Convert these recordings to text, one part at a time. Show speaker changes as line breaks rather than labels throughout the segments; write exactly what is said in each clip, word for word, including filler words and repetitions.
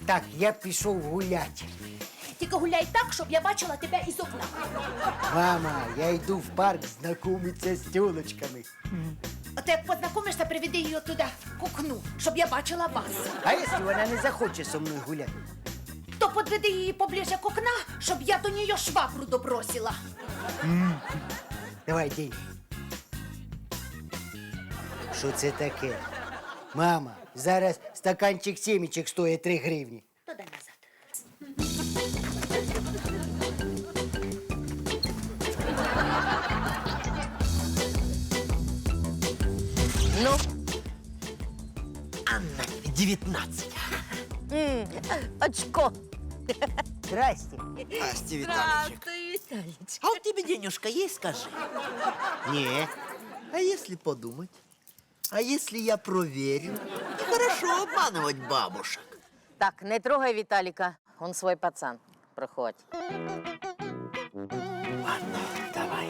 Так, я пішов гуляти.
Тільки гуляй так, щоб я бачила тебе із окна.
Мама, я йду в парк знайомитися з тілочками.
А ти як познайомишся, приведи її туди, к окну, щоб я бачила вас.
А якщо вона не захоче зі мною гуляти?
То подведи її поближе к окна, щоб я до неї швабру добросила.
Давай, деньги. Що це таке? Мама, зараз стаканчик сімечок стоїть три гривні.
Туди назад.
Ну,
Анна, девятнадцать.
м, очко.
Здрасте.
Асти, Виталичек.
Виталич.
А у тебя денежка есть, скажи?
Ні.
А если подумать? А если я проверю? Нехорошо обманывать бабушек.
Так, не трогай Виталика, он свой пацан. Проходь.
Ладно, давай.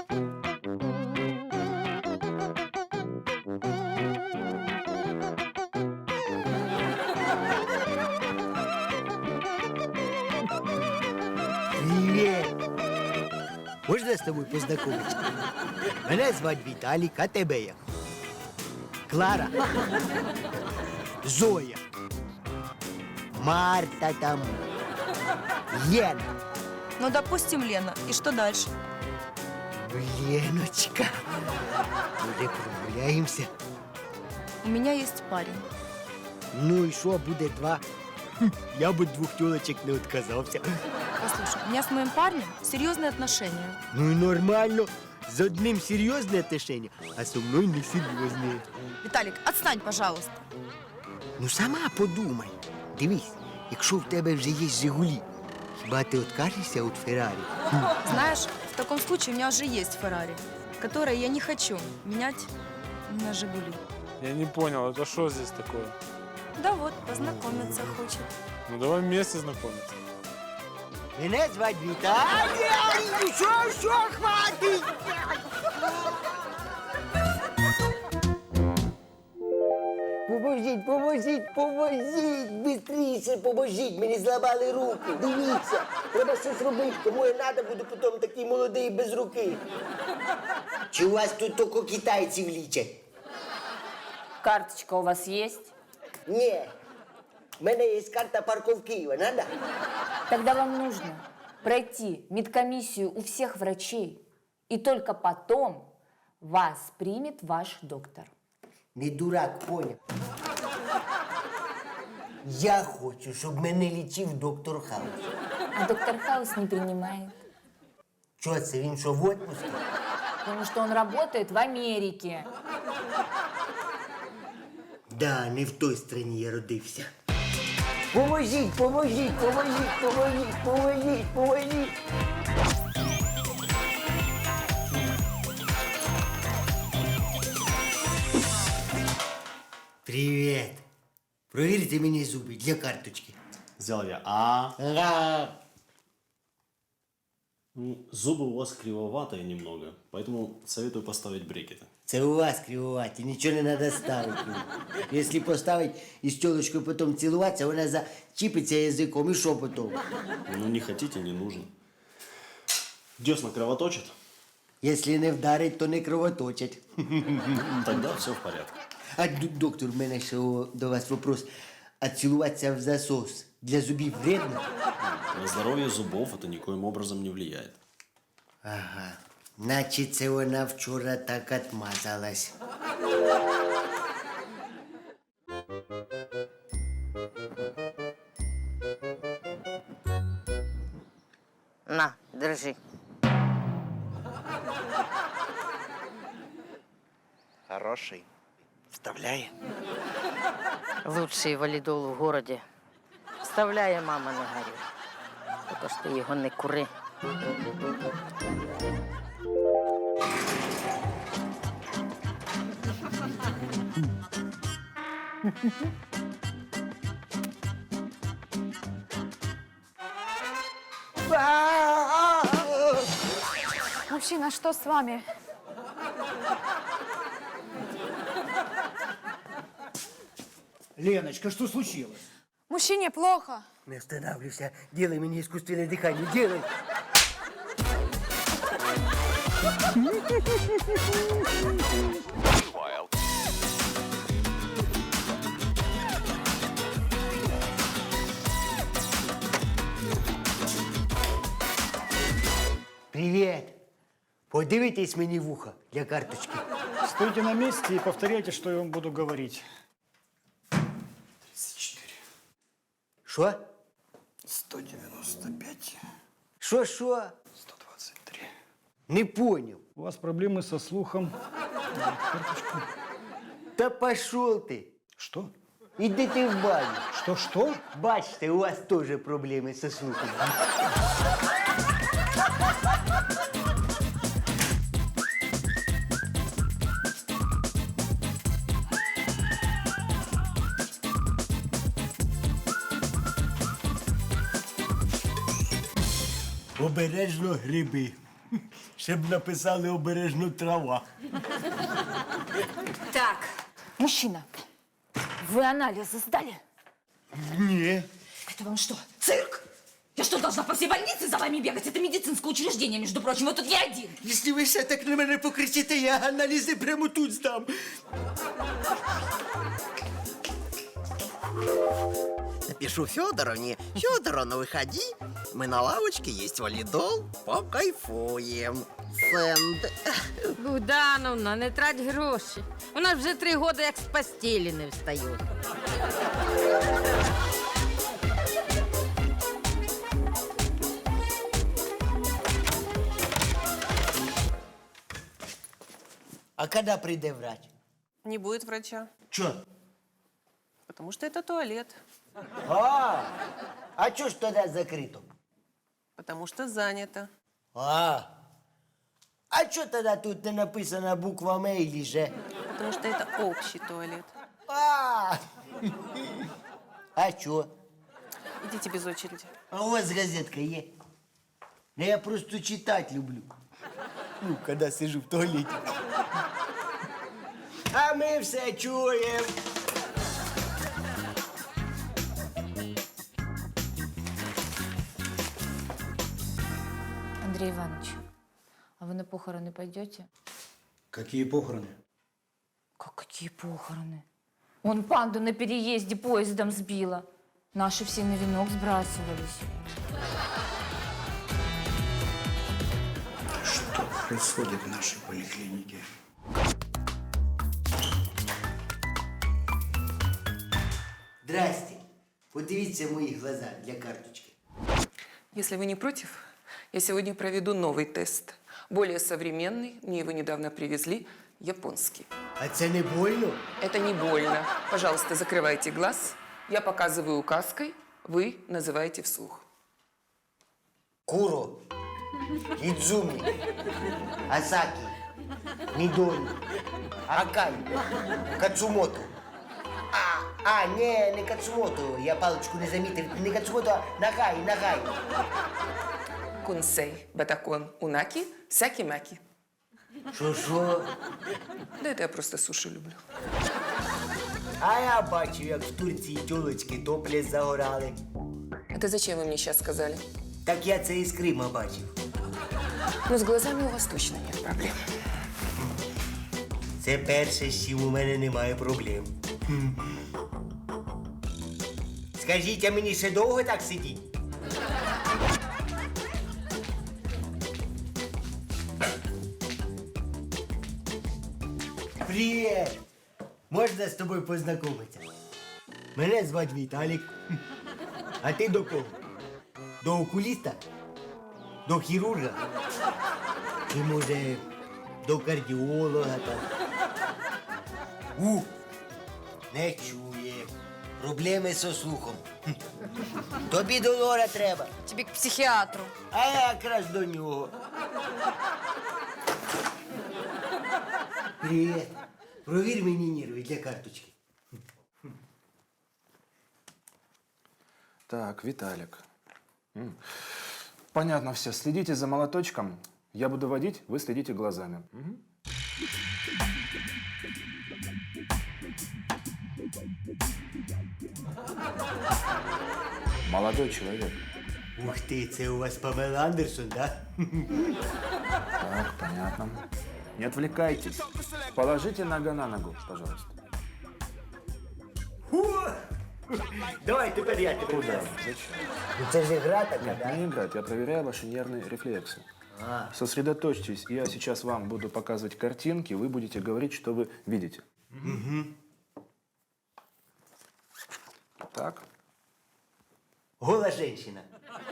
Привіт. Можна з тобою познайомитися? Мене звати Віталік, а тебе як? Клара. Зоя. Марта там. Єна.
Ну, допустим, Лена. И что дальше?
Леночка. Може, прогуляємося?
У меня есть парень.
Ну і що, буде два? Хм, я б від двох тілочок не відказався.
Послушай, у меня с моим парнем серьезные отношения.
Ну і нормально. З одним серйозне отношення, а зі мною не серйозне.
Виталик, отстань, пожалуйста.
Ну сама подумай. Дивись, якщо в тебе вже є «Жигулі», хіба ти відкажешся від Феррарі?
Знаешь, в таком случае у меня уже есть Феррари, которое я не хочу менять на «Жигули».
Я не понял, это что здесь такое?
Да вот, познакомиться хочет.
Ну давай вместе знакомиться.
Мене звати Віталій. Що, що, хватить? Поможіть, поможіть, поможіть, бистріше поможіть, мені зламали руки. Дивіться, треба щось робити, кому я треба, буду потім такий молодий і без руки. Чи у вас тут тільки китайців лічать?
Карточка у вас есть?
Ні, в мене є карта парков Києва, надо?
Тогда вам нужно пройти медкомиссию у всех врачей, и только потом вас примет ваш доктор.
Не дурак, поняв. Я хочу, щоб мене лічив доктор Хаус.
А доктор Хаус не принимает,
Чого це, він що, в отпуску?
потому что он работает в Америке.
Да, не в той страні я родився. Поможіть, поможіть, поможіть, поможіть, поможіть, поможіть. Привіт. Провірте мені зуби для карточки.
Сделал я А.
Ага.
Ну, зубы у вас кривоватые немного, поэтому советую поставить брекеты.
Це у вас кривувати, нічого не треба ставити. Якщо поставити і з тілочкою потім цілуватися, вона зачіпиться язиком і що потім?
Ну, не хотите, не нужно. Десна кровоточит?
Якщо не вдарить, то не кровоточать.
Тогда все в порядке.
А д- доктор, в мене ще о, до вас вопрос. А цілуватися в засос для зубів вредно?
На здоровье зубов это никоим образом не влияет.
Ага. Наче це вона вчора так отмазалась.
На, держи.
Хороший. Вставляй.
Лучший валідол в городі. Вставляє, мама, не горюй. Тільки ж ти його не кури.
Мужчина, что с вами?
Леночка, что случилось?
Мужчине плохо.
Не останавливайся. Делай мне искусственное дыхание. Делай. Привет. Подивитесь мені в ухо для карточки.
Стойте на месте и повторяйте, что я вам буду говорить.
Що?
сто девяносто пять.
Що, що?
сто двадцать три.
Не понял.
У вас проблемы со слухом.
Та пошел ти.
Что?
Іди ти в баню.
Что, что?
Бачите, у вас теж проблеми со слухом. Обережно гриби. Щоб написали обережно трава.
Так, мужчина, вы анализы сдали?
Ні.
Это вам что, цирк? Я что, должна по всей больнице за вами бегать? Это медицинское учреждение, между прочим, вы тут не один.
Якщо ви все так на мене покричите, я аналізи прямо тут здам.
Напишу Федоровне. Федоровна, выходи. Мы на лавочке, есть валидол. Покайфуем. Сенд.
Богдановна, не трать гроші. У нас вже три роки як з постелі не встає.
А коли прийде врач?
Не будет врача,
Чо?
потому что это туалет,
А, а чого ж тоді закрито?
потому что занято.
А, а чого тоді тут не написана буквами или же?
Потому что это общий туалет.
А, а чо?
Идите без очереди.
А у вас газетка є? Ну, я просто читать люблю. Ну, коли сижу в туалеті. А ми все чуємо.
Андрей Иванович, а вы на похороны пойдете?
Какие похороны?
Как какие похороны? Он панду на переезде поездом сбила. Наши все на венок сбрасывались.
Что происходит в нашей поликлинике?
Здрасте. Подивіться в мої глаза для карточки.
Если вы не против, я сегодня проведу новый тест. Более современный, мне его недавно привезли, японский.
А це не больно?
Это не больно. Пожалуйста, закрывайте глаз. Я показываю указкой, вы называете вслух.
Куро, Идзуми, Асаки, Мидори, Акай, Кацумото. А, а, не, не Кацумото, я паличку не замітив. Не Кацумото, а Нагай, Нагай.
Кунсей, батакон, унаки, сяки-маки.
Що-що?
Да это я просто суши люблю.
А я бачив, як в Турції тюлечки топлі загорали.
Это зачем вы мне сейчас сказали?
Так я це із Крима бачив.
Ну, с глазами у вас точно нет проблем.
Це перше, з чим у мене немає проблем. Хм. Скажіть, а мені ще довго так сидіть? Привіт! Можна з тобою познайомитися? Мене звати Віталік. А ти до кого? До окуліста? До хірурга? Чи, може, до кардіолога там? У! Не чує. Проблеми зі слухом. Хм. Тобі до лора треба.
Тобі к психіатру.
А я якраз до нього. Привіт. Провір мені нерви для карточки.
Так, Виталик. М. Понятно все. Следите за молоточком. Я буду водить, вы следите глазами. Мгм. Молодой человек.
Ух ти, це у вас Памела Андерсон, да?
Так, понятно. Не отвлекайтесь. Положите нога на ногу, пожалуйста.
Давай тепер я тебе.
Куда? Зачем?
Ну це ж гра така,
Нет,
да?
не играть. Я проверяю ваши нервные рефлексы. Сосредоточьтесь. Я сейчас вам буду показывать картинки, вы будете говорить, что вы видите. Так.
Гола женщина.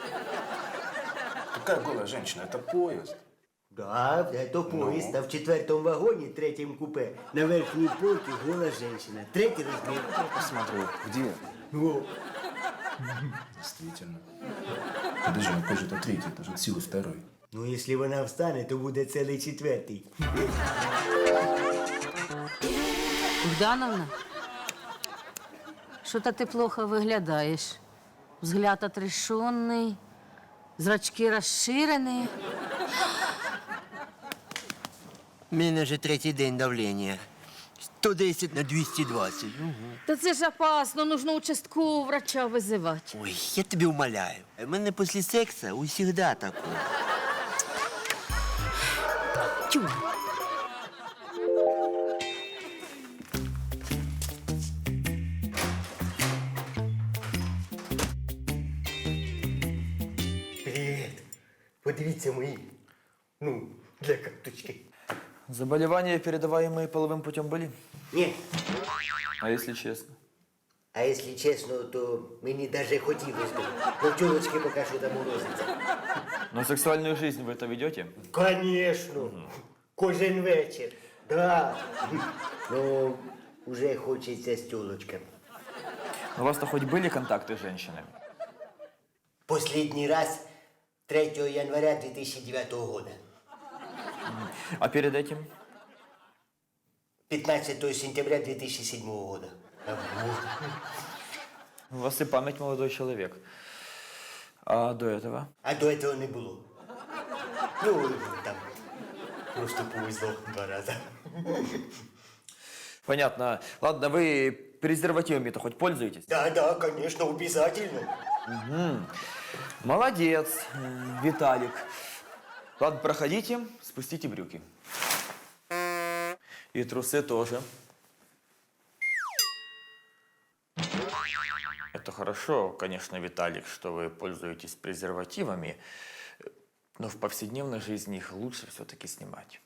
Какая голая женщина? Это поезд.
Да, це поїзд, а в четвертому вагоні, третьому купе, на верхній полці гола женщина. Третій розмір.
Посмотрю. Где?
О,
Действительно. Подожди, а какой же это третий? Это же от силы второй.
ну якщо вона встане, то буде цілий четвертий.
Богдановна, что-то ты плохо выглядаешь. Взгляд отрешенный, зрачки расширены.
У мене вже третій день давлення. сто десять на двісті двадцять.
Да це ж опасно, нужно участкового врача вызывать.
Ой, я тобі умоляю. У мене після сексу усігда таке.
Тю.
Привіт. Подивіться мої. Ну, для карточки.
Заболевания, передаваемые половым путем, были?
Ні.
А если честно?
А якщо чесно, то мені навіть хотілося б. Но тілочки поки що там морозиться.
Но сексуальную жизнь вы это ведете?
Конечно. Кожен вечір. Да. Ну, уже хочеться з тілочками.
У вас-то хоть были контакты с женщинами?
Последний раз третього января дві тисячі дев'ятого года.
А перед этим?
пятнадцатого сентября две тысячи седьмого года.
У вас и память, молодой человек. А до этого?
А до этого не було. Ну, там, просто повезло два раза.
Понятно. Ладно, вы презервативами-то хоть пользуетесь?
Да, да, конечно, обязательно.
Угу. Молодец, э, Виталик. Ладно, проходите, спустите брюки. И трусы тоже. Это хорошо, конечно, Виталик, что вы пользуетесь презервативами, но в повседневной жизни их лучше все-таки снимать.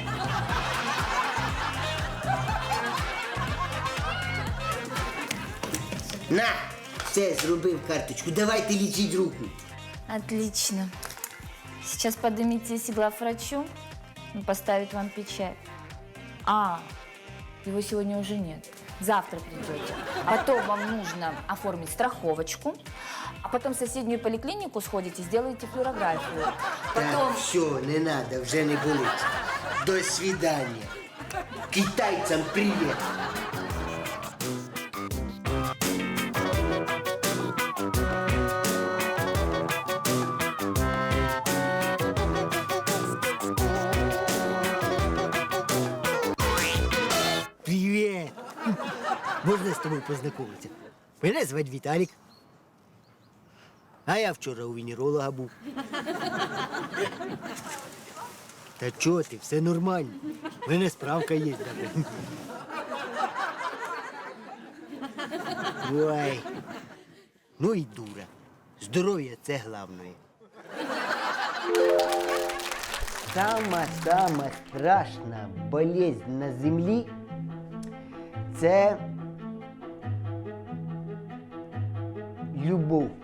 На, все, зробив карточку. Давайте лічіть руку.
Отлично. Сейчас поднимитесь к главврачу, он поставит вам печать. А, его сегодня уже нет. Завтра придете. Потом вам нужно оформить страховочку, а потом в соседнюю поликлинику сходите, сделаете флюорографию. Потом...
Так, все, не надо, вже не болить. До свидания. Китайцам привет. Привет. Можна з тобою познайомитися? Мене звати Віталік. А я вчора у венеролога був. Та чого ти, все нормально. У мене справка є. Ой. Ну і дура. Здоров'я – це головне. Сама-сама страшна болезнь на землі – це любов.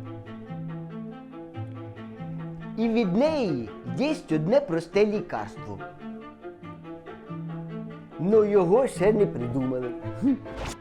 І від неї є одне просте лікарство. Но його ще не придумали.